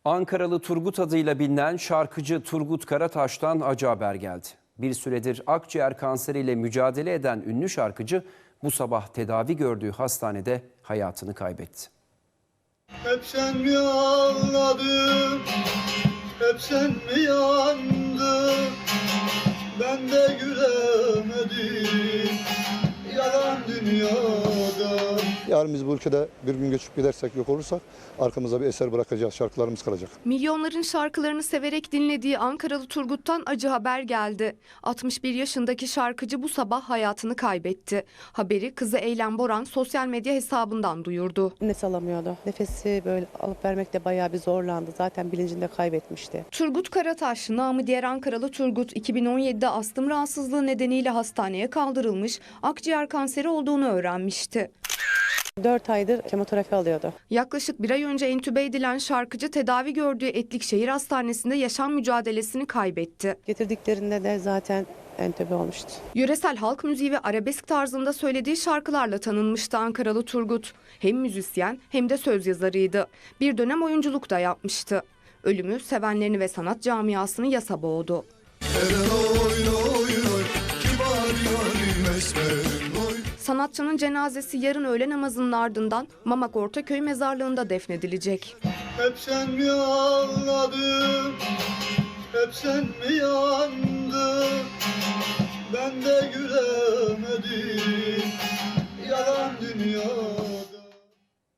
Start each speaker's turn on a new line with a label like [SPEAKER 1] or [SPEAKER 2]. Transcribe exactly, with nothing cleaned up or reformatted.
[SPEAKER 1] Ankaralı Turgut adıyla bilinen şarkıcı Turgut Karataş'tan acı haber geldi. Bir süredir akciğer kanseriyle mücadele eden ünlü şarkıcı bu sabah tedavi gördüğü hastanede hayatını kaybetti.
[SPEAKER 2] Hep sen mi ağladın, hep sen mi yandın, ben de gülemedim, yalan dünyada.
[SPEAKER 3] Yarın biz bu ülkede bir gün göçüp gidersek, yok olursak arkamıza bir eser bırakacağız, şarkılarımız kalacak.
[SPEAKER 4] Milyonların şarkılarını severek dinlediği Ankaralı Turgut'tan acı haber geldi. altmış bir yaşındaki şarkıcı bu sabah hayatını kaybetti. Haberi kızı Eylem Boran sosyal medya hesabından duyurdu.
[SPEAKER 5] Nefes alamıyordu. Nefesi böyle alıp vermekte bayağı bir zorlandı. Zaten bilincini de kaybetmişti.
[SPEAKER 4] Turgut Karataş, namı diğer Ankaralı Turgut, iki bin on yedide astım rahatsızlığı nedeniyle hastaneye kaldırılmış, akciğer kanseri olduğunu öğrenmişti.
[SPEAKER 5] dört aydır kemoterapi alıyordu.
[SPEAKER 4] Yaklaşık bir ay önce entübe edilen şarkıcı tedavi gördüğü Etlikşehir Hastanesi'nde yaşam mücadelesini kaybetti.
[SPEAKER 5] Getirdiklerinde de zaten entübe olmuştu.
[SPEAKER 4] Yöresel halk müziği ve arabesk tarzında söylediği şarkılarla tanınmıştı Ankaralı Turgut. Hem müzisyen hem de söz yazarıydı. Bir dönem oyunculuk da yapmıştı. Ölümü sevenlerini ve sanat camiasını yasa boğdu. Sanatçının cenazesi yarın öğle namazının ardından Mamak Ortaköy mezarlığında defnedilecek.
[SPEAKER 2] Hep sen mi ağladın, hep sen mi yandın, ben de gülemedim, yalan dünya.